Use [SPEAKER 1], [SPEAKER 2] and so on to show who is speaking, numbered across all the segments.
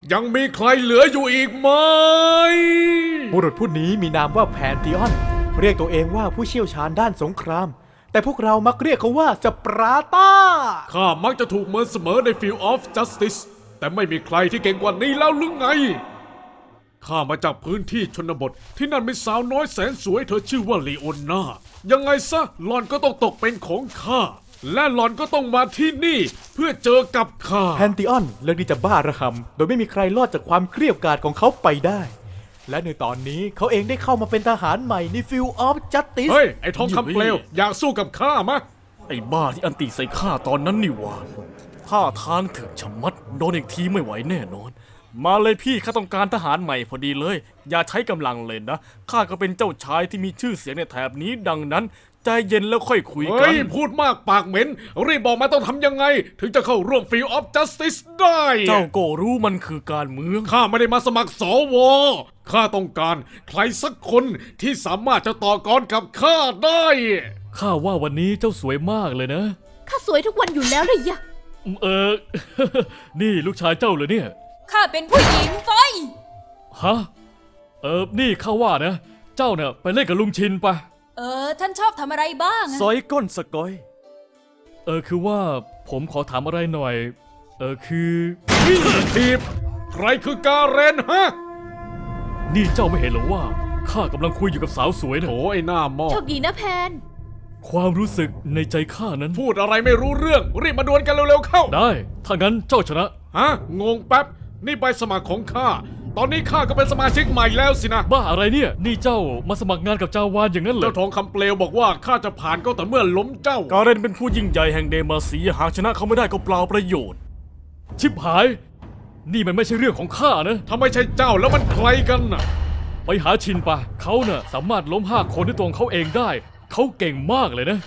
[SPEAKER 1] ยังมีใครเหลืออยู่อีกไหม
[SPEAKER 2] บุรุษผู้นี้มีนามว่าแพนธีออนเรียกตัวเองว่าผู้เชี่ยวชาญด้านสงครามแต่พวกเรามักเรียกเขาว่าสปาร์ตา
[SPEAKER 1] ข้ามักจะถูกเมินเสมอใน Field of Justice แต่ไม่มีใครที่เก่งกว่านี้แล้วหรือไงข้ามาจากพื้นที่ชนบทที่นั่นมีสาวน้อยแสนสวยเธอชื่อว่าลีโอนายังไงซะหล่อนก็ต้องตกเป็นของข้าและหล่อนก็ต้องมาที่นี่เพื่อเจอกับข้า
[SPEAKER 2] แพนธีออนเลือกที่จะบ้าระหำโดยไม่มีใครรอดจากความเกรี้ยวกราดของเขาไปได้และในตอนนี้เขาเองได้เข้ามาเป็นทหารใหม่ใน Field of Justice
[SPEAKER 1] เฮ้ยไอ้ทองคำเปลวอยากสู้กับข้ามะ
[SPEAKER 3] ไอ้บ้าที่อันติใส่ข้าตอนนั้นนี่หว่าท่าทางถึงชะมัดโดนอีกทีไม่ไหวแน่นอนมาเลยพี่ข้าต้องการทหารใหม่พอดีเลยอย่าใช้กำลังเลยนะข้าก็เป็นเจ้าชายที่มีชื่อเสียงในแถบนี้ดังนั้นใจเย็นแล้วค่อยคุยกัน
[SPEAKER 1] พูดมากปากเหม็นรีบบอกมาต้องทำยังไงถึงจะเข้าร่วม Field of Justice ได้
[SPEAKER 3] เจ้าก็รู้มันคือการเมือง
[SPEAKER 1] ข้าไม่ได้มาสมัครสวข้าต้องการใครสักคนที่สามารถจะต่อกรกับข้าได้
[SPEAKER 3] ข้าว่าวันนี้เจ้าสวยมากเลยนะ
[SPEAKER 4] ข้าสวยทุกวันอยู่แล้วเลยยะ
[SPEAKER 3] นี่ลูกชายเจ้าเหรอเนี่ย
[SPEAKER 4] ข้าเป็นผู้หญิงไฟ
[SPEAKER 3] ฮะนี่ข้าว่านะเจ้าเนี่ยไปเล่นกับลุงชินปะ
[SPEAKER 4] ท่านชอบทำอะไรบ้าง
[SPEAKER 2] ซอยก้นสกอย
[SPEAKER 3] คือว่าผมขอถามอะไรหน่อยคือ
[SPEAKER 1] ทีบใครคือกาเรนฮะ
[SPEAKER 3] นี่เจ้าไม่เห็นหรอว่าข้ากำลังคุยอยู่กับสาวสวยนะ
[SPEAKER 1] โอ้ยหน้าหม้อ
[SPEAKER 4] โชคดีนะแพน
[SPEAKER 3] ความรู้สึกในใจข้านั้น
[SPEAKER 1] พูดอะไรไม่รู้เรื่องรีบมาดวลกันเร็วๆเข้า
[SPEAKER 3] ได้ถ้างั้นเจ้าชนะ
[SPEAKER 1] ฮะงงแป๊บนี่ใบสมัครของข้าตอนนี้ข้าก็เป็นสมาชิกใหม่แล้วสินะ
[SPEAKER 3] บ้าอะไรเนี่ยนี่เจ้ามาสมัครงานกับจาวานอย่างนั้นเหรอ
[SPEAKER 1] เจ้าทองคำเปลวบอกว่าข้าจะผ่านก็แต่เมื่อล้มเจ้า
[SPEAKER 3] การเรนเป็นผู้ยิ่งใหญ่แห่งเดมาเซียหากชนะเขาไม่ได้ก็เปล่าประโยชน์ชิบหายนี่มันไม่ใช่เรื่องของข้านะ
[SPEAKER 1] ถ้าไม่ใช่เจ้าแล้วมันใครกันน่ะ
[SPEAKER 3] ไปหาชินปะเขาน่ะสามารถล้ม5 คนด้วยตัวของเขาเองได้เขาเก่งมากเลยนะ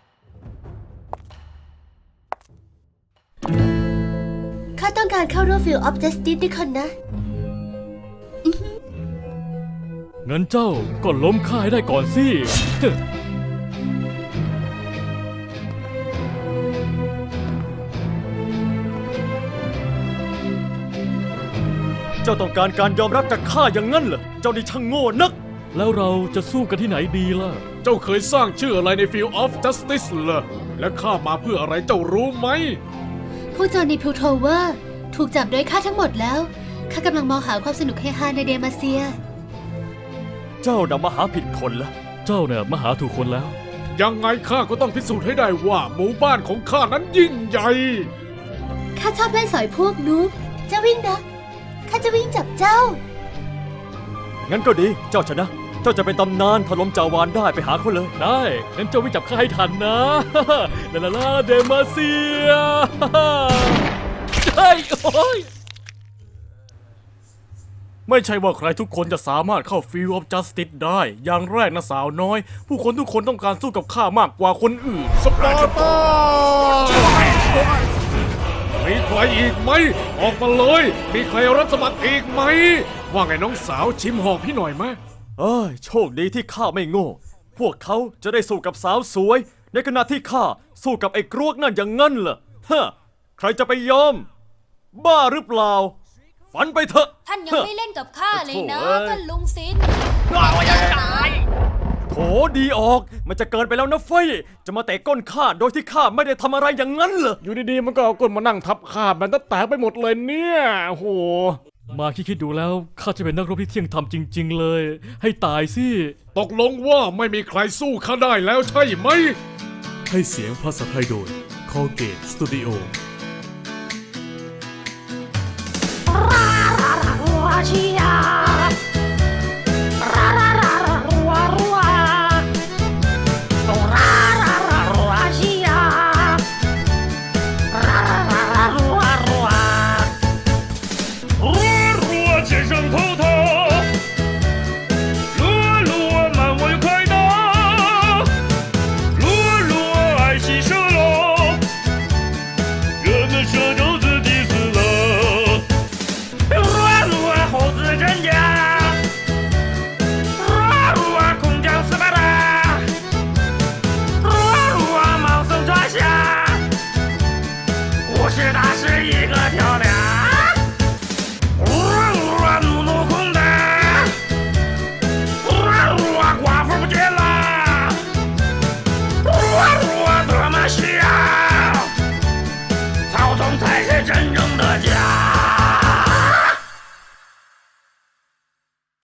[SPEAKER 5] ข้าต้องการเข้าร่วม Field of Justice ด้วยคนนะ
[SPEAKER 3] งั้นเจ้าก็ล้มข้าให้ได้ก่อนสิ
[SPEAKER 2] เจ้าต้องการการยอมรับจากข้าอย่างนั้นเหรอเจ้านี่ช่างโง่นัก
[SPEAKER 3] แล้วเราจะสู้กันที่ไหนดีล่ะ
[SPEAKER 1] เจ้าเคยสร้างชื่ออะไรใน Field of Justice เหรอและข้ามาเพื่ออะไรเจ้ารู้ไหม
[SPEAKER 5] ผู้โจรในพลูโทเวอร์ถูกจับโดยข้าทั้งหมดแล้วข้ากำลังมองหาความสนุกเฮฮาในเดมาเซีย
[SPEAKER 2] เจ้าน่ะมาหาผิดคนละ
[SPEAKER 3] เจ้าเนี่ยมาหาถูกคนแล้ว
[SPEAKER 1] ยังไงข้าก็ต้องพิสูจน์ให้ได้ว่าหมู่บ้านของข้านั้นยิ่งใหญ่
[SPEAKER 5] ข้าชอบเล่นสอยพวกนูบเจ้าวิ่งนะข้าจะวิ่งจับเจ้า
[SPEAKER 2] งั้นก็ดีเจ้าชนะเจ้าจะเป็นตำนานถล่มจาวานได้ไปหาเขาเลย
[SPEAKER 3] ได้งั้นเจ้าวิ่งจับข้าให้ทันนะลาเดมาเซียเฮ้ยโอ้ยไม่ใช่ว่าใครทุกคนจะสามารถเข้า Field of Justice ได้อย่างแรกนะสาวน้อยผู้คนทุกคนต้องการสู้กับข้ามากกว่าคนอื่น
[SPEAKER 1] สปาร์ตามีใครอีกไหมออกมาเลยมีใครรับสมัครอีกไหมว่าไงน้องสาวชิมหอกพี่หน่อยไหม
[SPEAKER 2] โชคดีที่ข้าไม่โง่พวกเขาจะได้สู้กับสาวสวยในขณะที่ข้าสู้กับไอ้กรวกนั่นอย่างงั้นเหรอฮะใครจะไปยอมบ้าหรือเปล่าฝันไปเถอะ
[SPEAKER 4] ท่านยังไม่เล่นกับข้าเลยนะท่านลุงซิน
[SPEAKER 2] โถดีออกมันจะเกินไปแล้วนะเฟ้ยจะมาเตะก้นข้าโดยที่ข้าไม่ได้ทำอะไรอย่างนั้นเหรอ
[SPEAKER 1] อยู่ดีๆมันก็เอาก้นมานั่งทับข้ามันแตกไปหมดเลยเนี่ยโห
[SPEAKER 3] มาคิดดูแล้วข้าจะเป็นนักรบที่เที่ยงธรรมจริงๆเลยให้ตายสิ
[SPEAKER 1] ตกลงว่าไม่มีใครสู้ข้าได้แล้วใช่ไหม
[SPEAKER 6] ให้เสียงภาษาไทยโดย Colgate Studio